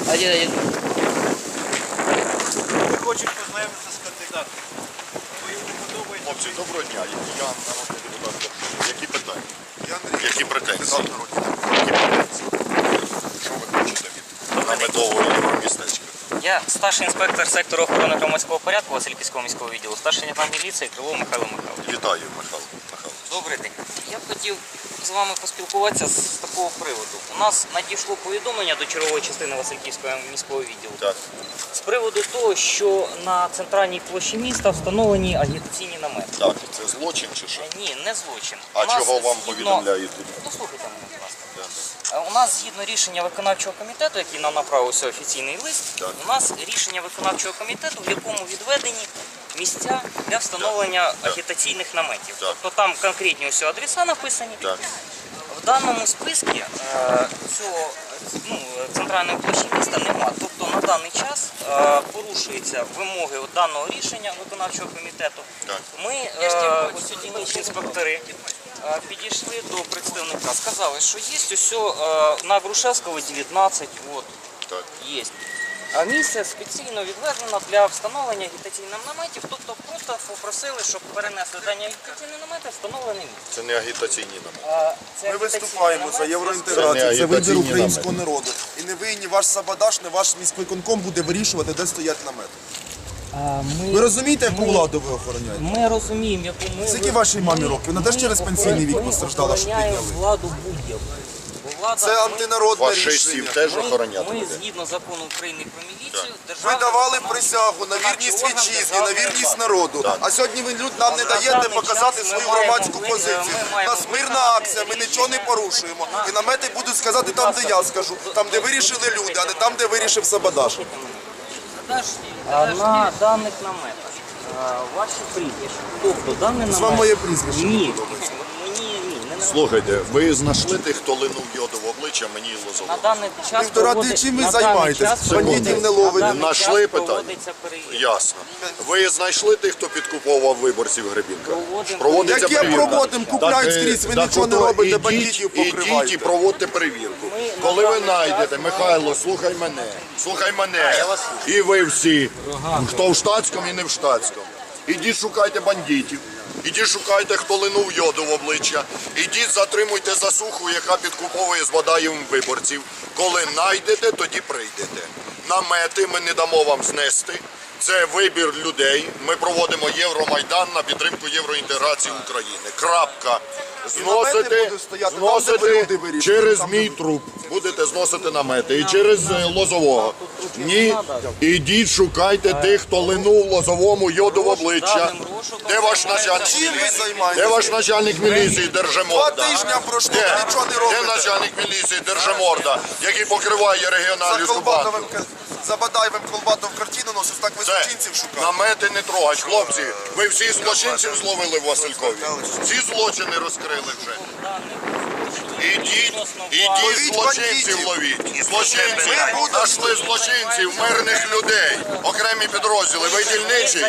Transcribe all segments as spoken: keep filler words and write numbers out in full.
Один, один. Ми хочемо познайомитися з кандидатом. Ви йому подобається? Хлопці, доброго дня. Я народний депутат. Які питання? Я Андрій. Які претензії? Депутат народний. Які претензії? Що ви хочете від наметового євромістечка? Я старший інспектор сектору охорони громадського порядку Васильківського міського відділу, старший лейтенант міліції Крилов Михайло Михайлович. Вітаю, Михайло Михайлович. Добрий день. Я б хотів з вами поспілкуватися з такого приводу. У нас надійшло повідомлення до чергової частини Васильківського міського відділу Так. з приводу того, що на центральній площі міста встановлені агітаційні намети. Так, це злочин чи що? Ні, не злочин. А У нас чого вам згідно- повідомляють? Послухайте мене, будь ласка. Так. Е, У нас згідно рішення виконавчого комітету, який нам направився офіційний лист, Так. у нас рішення виконавчого комітету, в якому відведені місця для встановлення Так. агітаційних наметів. Так. Тобто там конкретні усі адреса написані. Так. В даному списку е, цього ну, центральної площі міста немає. Тобто на даний час е, порушуються вимоги от даного рішення виконавчого комітету. Так. Ми, е, ось ці дільничні інспектори, е, підійшли до представника, сказали, що є ось е, на Грушевського дев'ятнадцять, от, Так. є. А місце спеціально відведено для встановлення агітаційних наметів, тобто просто попросили, щоб перенесли дані агітаційні намети, встановлене місце. Це не агітаційні намети. А, це Ми агітаційні виступаємо за намети, Це євроінтеграцію, не це вибір агітаційні українського намети. народу. І не ви, ні ваш Сабадаш, ні ваш міськвиконком буде вирішувати, де стоять намети. А, ми, Ви розумієте, яку ми- владу ви охороняєте? Ми розуміємо, яку ми... Скільки вашій мамі років? Вона теж через пенсійний вік постраждала, що підняли. підняли. Владу будь-яку. Бо влада, Це ми- антинародне Фашистів рішення. теж Ми, охороняти ми буде. згідно закону України про міліцію, Ви державна давали виконавча- присягу на вірність орган вітчизні, на державної вірність влади. народу. Так. А сьогодні ви люд нам не На даєте даний показати час ми свою маємо громадську ви- позицію. ми У маємо нас мирна виконати акція, ми рішення. нічого не порушуємо. І намети будуть сказати там, де я скажу, там, де вирішили люди, а не там, де вирішив Сабадаш. А на даних наметах а, ваші прізвища. Тобто даний намет... З вам моє прізвище не Ні. подобається. Мені ні, не на Слухайте, ви знайшли тих, хто линув йоду в обличчя мені і На Лозовому? даний час Півтора проводи- ти чим ви на даний займаєтесь? час Бандитів проводиться- не ловите. на даний Нашли час питання? проводиться перевірка. Ясно. Ви знайшли тих, хто підкуповував виборців Гребінка? Проводимо. Проводиться Яке перевірка. проводимо? Купляють Так, скрізь, ви так нічого не ото робите, ідіть- бандитів Ідіть і покриваєте. проводьте перевірку. Ми Коли на ви даний знайдете, час Михайло, слухай мене, слухай мене, і ви всі, хто в штатському і не в штатському. Ідіть шукайте бандитів, ідіть шукайте, хто линув йоду в обличчя, ідіть затримуйте засуху, яка підкуповує з Бадаєвим виборців. Коли знайдете, тоді прийдете. Намети ми не дамо вам знести. Це вибір людей. Ми проводимо Євромайдан на підтримку євроінтеграції України. Крапка. намети Зносити, будуть стояти там, де ви зносити люди вирішуєте, через там, де мій труп. Будете зносити намети. І через е, Лозового. Ні, ідіть шукайте тих, хто линув Лозовому йоду в обличчя. Де ваш начальник? Чим ви Де займаєтесь? ваш начальник міліції Держиморда? Два тижні пройшло, Де? ви нічого не Де робите. начальник міліції Держиморда, який покриває За регіональну банку? Колбатовим, за Бадаєвим Колбатов картину носить, так ви Це злочинців шукаєте. намети не трогать, хлопці. Ви всі злочинців зловили в Василькові. Всі злочини розкрили вже. Ідіть, ідіть Ловіть злочинців бандитів. ловіть. Злочинців. Ми будемо- Нашли злочинців, мирних людей. Окремі підрозділи. Ви дільничий.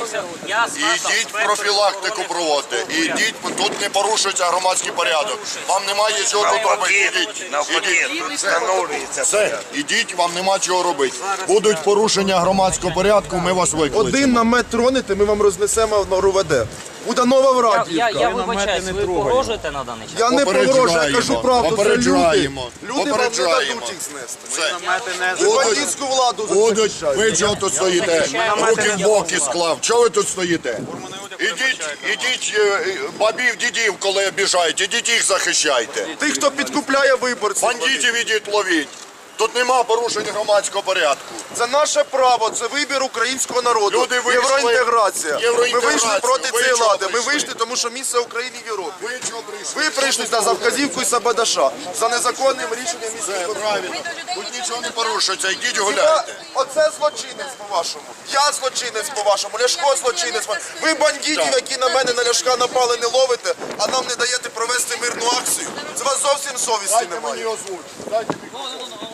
Ідіть профілактику проводьте. Ідіть, тут не порушується громадський порядок. Вам немає чого тут робити. Ідіть. Ідіть. Все. Все. Ідіть, вам нема чого робити. Будуть порушення громадського порядку, ми вас викличемо. Один намет тронете, ми вам рознесемо на РУВД. Буде нова Я, Врадіївка. я, я вибачаюсь, ви погрожуєте на даний час? Я не погрожую, я кажу правду, це люди. Попереджаємо. Люди вам не Попереджаємо. дадуть їх знести. Все. Ви бандитську владу Будуть, захищаєте. ви чого тут стоїте? Руки в боки склав. Чого ви тут стоїте? Ідіть, ідіть, е, е, бабів, дідів, коли обіжають, ідіть їх захищайте. Тих, хто підкупляє виборців. Бандитів ідіть ловіть. Тут нема порушень громадського порядку. Це наше право, це вибір українського народу. Люди вийшли- Євроінтеграція. Ми Євроінтеграцію. вийшли проти Ви цієї чого влади. Ми прийшли? вийшли, тому що місце України в Європі. Ви чого прийшли? Ви прийшли за вказівку Сабадаша, за незаконним рішенням Це міського правильно. Тут нічого не порушується, йдіть Хіба гуляйте. оце злочинець по-вашому? Я злочинець по-вашому, Ляшко злочинець. Ви бандитів, Так. які на мене, на Ляшка напали, не ловите, а нам не даєте провести мирну акцію. Це у вас зовсім совісті Дайте мені немає. озвучити. Дайте мені.